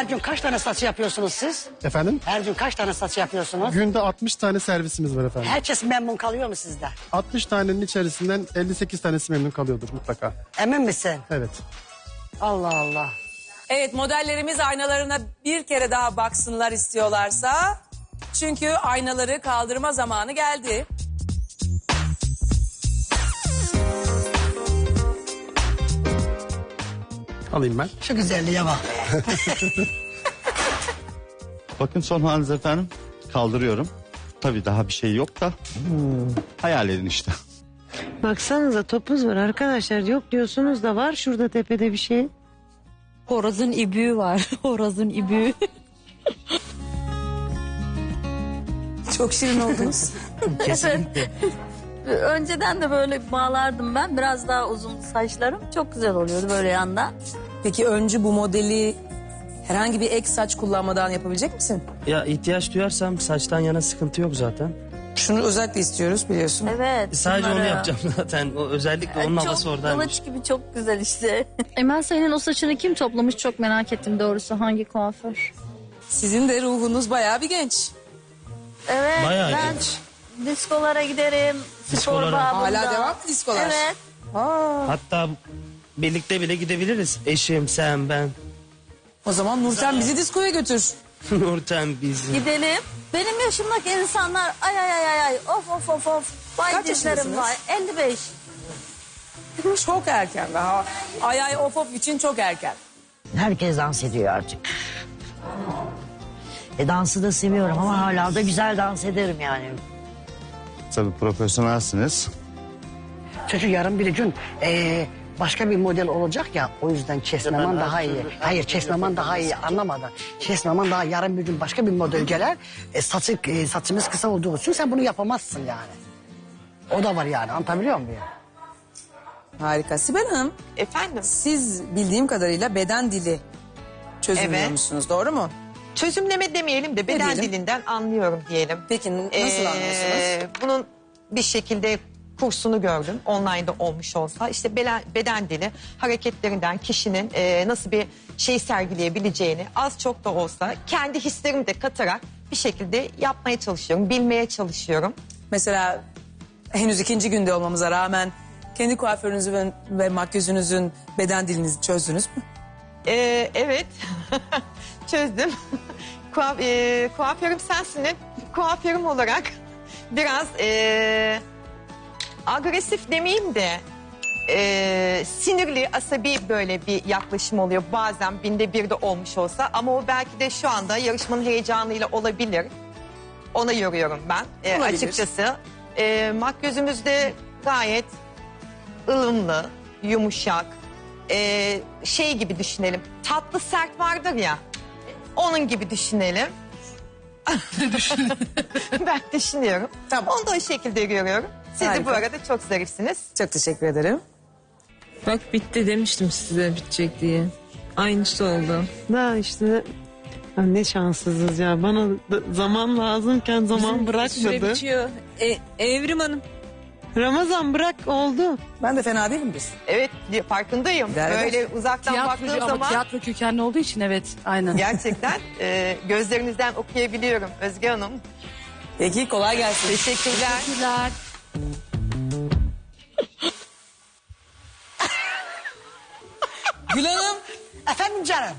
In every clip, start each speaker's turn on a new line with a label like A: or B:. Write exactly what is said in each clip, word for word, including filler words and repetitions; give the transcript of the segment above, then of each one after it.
A: Her gün kaç tane saç yapıyorsunuz siz?
B: Efendim?
A: Her gün kaç tane saç yapıyorsunuz?
B: Günde altmış tane servisimiz var efendim.
A: Herkes memnun kalıyor mu sizde?
B: altmış tanenin içerisinden elli sekiz tanesi memnun kalıyordur mutlaka.
A: Emin misin?
B: Evet.
A: Allah Allah.
C: Evet, modellerimiz aynalarına bir kere daha baksınlar istiyorlarsa. Çünkü aynaları kaldırma zamanı geldi.
B: Alayım ben.
A: Şu güzelliğe bak.
D: Bakın son haliniz efendim. Kaldırıyorum. Tabii daha bir şey yok da. Hayal edin işte.
E: Baksanıza topuz var arkadaşlar. Yok diyorsunuz da var şurada tepede bir şey.
F: Horozun ibüğü var. Horozun ibüğü.
C: Çok şirin oldunuz.
F: Kesinlikle. Önceden de böyle bağlardım ben. Biraz daha uzun saçlarım. Çok güzel oluyordu böyle yandan.
C: Peki öncü bu modeli herhangi bir ek saç kullanmadan yapabilecek misin?
G: Ya ihtiyaç duyarsam saçtan yana sıkıntı yok zaten.
C: Şunu özellikle istiyoruz biliyorsun.
F: Evet.
G: Sadece onu
F: bunları-
G: yapacağım zaten. O özellikle onun havası
F: Çok
G: oradaymış.
F: kılıç gibi çok güzel işte.
H: Emel senin o saçını kim toplamış çok merak ettim doğrusu. Hangi kuaför?
C: Sizin de ruhunuz bayağı bir genç.
F: Evet.
G: Bayağı
F: ben
G: genç.
F: diskolara giderim. Spor
G: Diskolara.
F: babında.
C: Hala devam mı diskolar?
F: Evet.
G: Hatta birlikte bile gidebiliriz. Eşim, sen, ben.
C: O zaman Nurten bizi diskoya götür.
G: Nurten bizim.
F: Gidelim. Benim yaşımdaki insanlar ay ay ay ay ay of of of of. Vay
C: Kaç
F: dizlerim
C: yaşındasınız?
F: var. elli beş.
C: Çok erken daha. Ay ay of of için çok erken.
I: Herkes dans ediyor artık. E dansı da seviyorum ama hala da güzel dans ederim yani.
D: Tabii profesyonelsiniz.
A: Çocuk yarın bir gün eee, başka bir model olacak ya, o yüzden kesmeman daha iyi. Hayır, kesmeman daha iyi, anlamadın. Kesmeman daha yarın bir gün başka bir model gelir. E, saçı, e, saçımız kısa olduğu için sen bunu yapamazsın yani. O da var yani, anlatabiliyor muyum?
C: Harika. Sibel Hanım,
J: Efendim?
C: siz bildiğim kadarıyla beden dili çözümlüyor
J: Evet.
C: doğru mu?
J: Çözümleme demeyelim de beden
C: diyelim?
J: dilinden anlıyorum diyelim.
C: Peki nasıl
J: Ee,
C: anlıyorsunuz?
J: Bunun bir şekilde kursunu gördüm. Online'da olmuş olsa. İşte beden, beden dili hareketlerinden kişinin e, nasıl bir şey sergileyebileceğini az çok da olsa kendi hislerimi de katarak bir şekilde yapmaya çalışıyorum. Bilmeye çalışıyorum.
C: Mesela henüz ikinci günde olmamıza rağmen kendi kuaförünüzü ve, ve makyözünüzün beden dilinizi çözdünüz mü?
J: Ee, evet. Çözdüm. Kuaf, e, kuaförüm sensin. Kuaförüm olarak biraz e, agresif demeyeyim de e, sinirli, asabi böyle bir yaklaşım oluyor. Bazen binde bir de olmuş olsa ama o belki de şu anda yarışmanın heyecanıyla olabilir. Ona yoruyorum ben e,
C: Olabilir.
J: açıkçası. E, makyözümüz de gayet ılımlı, yumuşak. Ee, şey gibi düşünelim. Tatlı sert vardır ya. Onun gibi düşünelim. Ben düşünüyorum.
C: Tamam.
J: Onu da o şekilde görüyorum. Siz de
C: Harika.
J: bu arada çok zarifsiniz.
C: Çok teşekkür ederim.
K: Bak bitti demiştim size bitecek diye. Aynısı oldu.
E: Daha işte ya ne şanssızız ya. Bana da zaman lazımken zaman
K: Süre
E: bırakmadı.
K: bitiyor. E, Evrim Hanım.
E: Ramazan bırak oldu.
C: Ben de fena değilim biz.
J: Evet, farkındayım.
C: Berber.
J: Böyle uzaktan baktığım zaman
H: tiyatro kökenli olduğu için evet aynen.
J: gerçekten e, gözlerinizden okuyabiliyorum Özge Hanım.
C: Peki kolay gelsin.
J: Teşekkürler.
H: Teşekkürler.
C: Gül Hanım.
A: Efendim canım.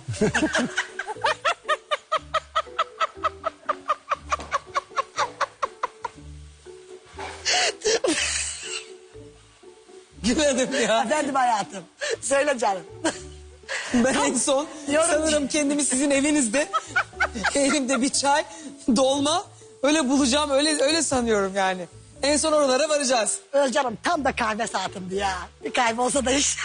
C: Gül Hanım ya.
A: Efendim hayatım. Söyle canım.
C: Ben en son sanırım kendimi sizin evinizde elimde bir çay, dolma öyle bulacağım öyle öyle sanıyorum yani. En son oralara varacağız.
A: Özcanım tam da kahve saatimdi ya. Bir kahve olsa da iş.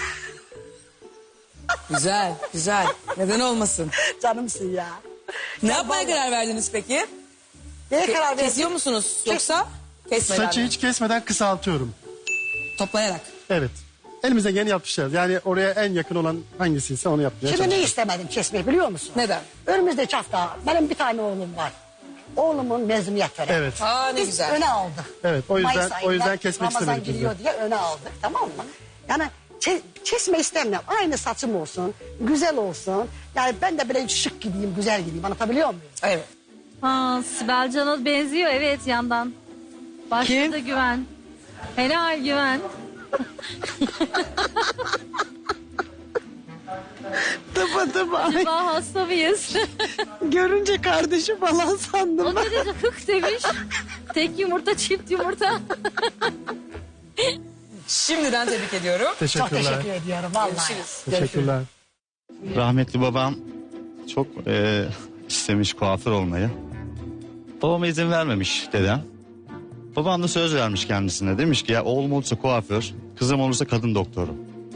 C: Güzel, güzel. Neden olmasın?
A: Canımsın ya.
C: Ne yapmaya karar verdiniz peki?
A: Neye
C: Ke-
A: karar verdin?
C: Kesiyor musunuz yoksa kesmeden
B: Saçı
C: mi?
B: hiç kesmeden kısaltıyorum.
C: Toplayarak.
B: Evet. Elimize yeni yapmışlar. Yani oraya en yakın olan hangisiyse onu yapmaya
A: Şimdi ne
B: çalışıyoruz.
A: istemedim kesmeyi biliyor musun?
C: Neden?
A: Önümüzdeki hafta benim bir tane oğlum var. Oğlumun mezuniyet töreni.
B: Evet.
C: Aa ne
A: Biz
C: güzel.
A: öne aldık.
B: Evet, o yüzden-
A: Mayıs
B: o
A: ayında
B: yüzden kesmek
A: Ramazan
B: istemedik biz de.
A: giriyor diye öne aldık, tamam mı? Yani Çe- kesme istemiyorum. Aynı saçım olsun, güzel olsun. Yani ben de böyle şık gideyim, güzel gideyim. Anlatabiliyor muyum?
C: Evet.
H: Ha, Sibel Can'a benziyor evet yandan. Başta
C: Kim?
H: da Güven. Helal Güven.
E: Tıpa tıpa.
H: Acaba hasta mıyız?
E: Görünce kardeşi falan sandım
H: O
E: ben.
H: da dedi hık demiş. Tek yumurta çift yumurta.
C: Şimdiden tebrik ediyorum.
A: Çok
B: Teşekkürler.
A: teşekkür ediyorum vallahi.
C: Görüşürüz.
B: Teşekkürler.
D: Rahmetli babam çok e, istemiş kuaför olmayı. Babama izin vermemiş dedem. Babam da söz vermiş kendisine. Demiş ki ya oğlum olursa kuaför, kızım olursa kadın doktoru.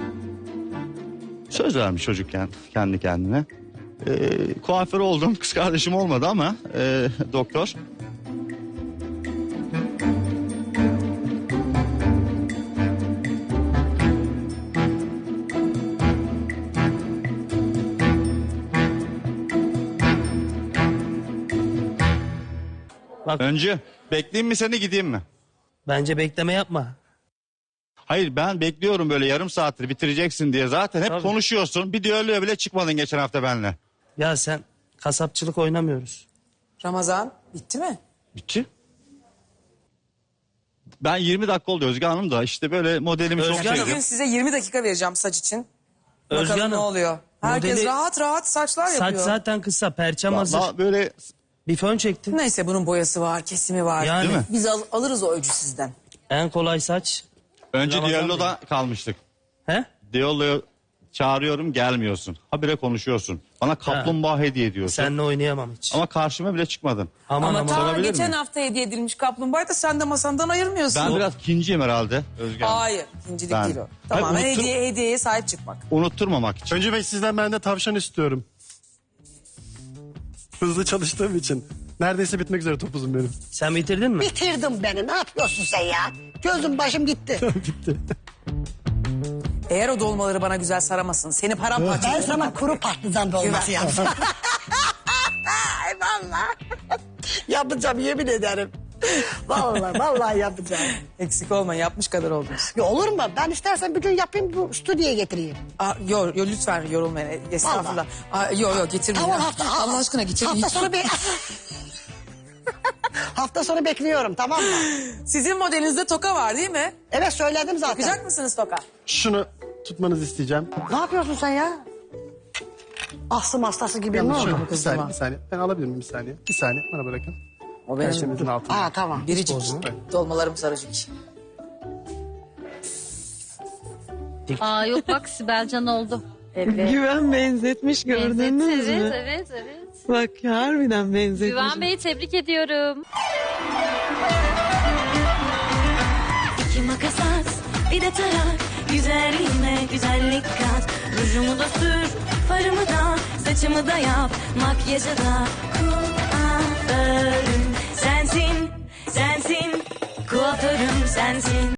D: Söz vermiş çocukken kendi kendine. E, kuaför oldum. Kız kardeşim olmadı ama e, doktor.
G: Bak
D: Öncü bekleyeyim mi seni gideyim mi?
G: bence bekleme yapma.
D: Hayır ben bekliyorum böyle yarım saattir bitireceksin diye. Zaten hep
G: Tabii.
D: konuşuyorsun. Bir düelloya bile çıkmadın geçen hafta benimle.
G: Ya sen kasapçılık oynamıyoruz.
C: Ramazan bitti mi?
D: Bitti. Ben yirmi dakika oldu Özge Hanım da işte böyle modelimi çok
G: Özge Hanım.
C: Bugün
D: sevdim.
C: size yirmi dakika vereceğim saç için.
G: Özge
C: Bakalım
G: Hanım,
C: ne oluyor. Herkes
G: modeli-
C: rahat rahat saçlar
G: Saç
C: yapıyor.
G: zaten kısa, perçem hazır.
D: Vallahi böyle
G: Bir fön çektin.
C: Neyse bunun boyası var, kesimi var.
G: Yani.
D: Değil mi?
C: Biz al- alırız o ölçü sizden.
G: En kolay saç.
D: önce
G: Ramazan
D: düelloda kalmıştık.
G: He?
D: Düelloya çağırıyorum gelmiyorsun. Habire konuşuyorsun. Bana kaplumbağa hediye ediyorsun.
G: Seninle oynayamam hiç.
D: Ama karşıma bile çıkmadın.
G: Aman
C: Ama
G: aman.
C: ta
D: Sorabilir
C: geçen
D: miyim?
C: hafta hediye edilmiş kaplumbağayı da sen de masamdan ayırmıyorsun.
D: Ben biraz ikinciyim herhalde Özge Hanım.
C: Hayır, ikincilik
D: Ben-
C: değil o.
D: Hayır,
C: Tamamen
D: unuttum.
C: hediye, hediyeye sahip çıkmak.
D: Unutturmamak için.
B: Öncü Bey sizden ben de tavşan istiyorum. Hızlı çalıştığım için. Neredeyse bitmek üzere topuzum benim.
G: Sen bitirdin mi?
A: Bitirdim beni. Ne yapıyorsun sen ya? Gözüm başım gitti.
B: Bitti.
C: Eğer o dolmaları bana güzel saramasın, seni paramparça
A: Ben
C: ederim.
A: sana kuru patlıcan dolması
C: Güven.
A: yapsam. Ay vallahi. Yapacağım yemin ederim. Vallahi vallahi yapacağım.
C: Eksik olma, yapmış kadar oldunuz.
A: Ya olur mu? Ben istersen bir gün yapayım bu stüdyoya getireyim.
C: Aa, yo, yo, lütfen yorulmayın. Estağfurullah. Aa, yo yo getirmeyin.
A: Tamam hafta.
C: Allah aşkına getirmeyin.
A: Hafta sonu be Hafta sonu bekliyorum tamam mı?
C: Sizin modelinizde toka var değil mi?
A: Evet söyledim zaten.
C: Takacak mısınız toka?
B: Şunu tutmanızı isteyeceğim.
A: Ne yapıyorsun sen ya? Astım hastası gibi ne
B: Yalnız
A: oldu?
B: şöyle bir saniye, bir saniye. Ben alabilir miyim bir saniye? Bir saniye bana bırakın.
C: O
B: Perşembenizin altında.
A: Aa tamam.
C: Biricik. Dolmalarım sarıcık.
H: Aa yok bak Sibel Can oldu. Evet.
E: Güven benzetmiş gördünüz
H: Evet,
E: mü?
H: evet, evet.
E: Bak harbiden benzetmiş.
H: Güven Bey'i tebrik ediyorum.
L: İki makas at, bir de tarak. Güzelliğime güzellik kat. Rujumu da sür, farımı da, saçımı da yap. Makyajı da kuaförüm sensin, sensin. Kuaförüm sensin.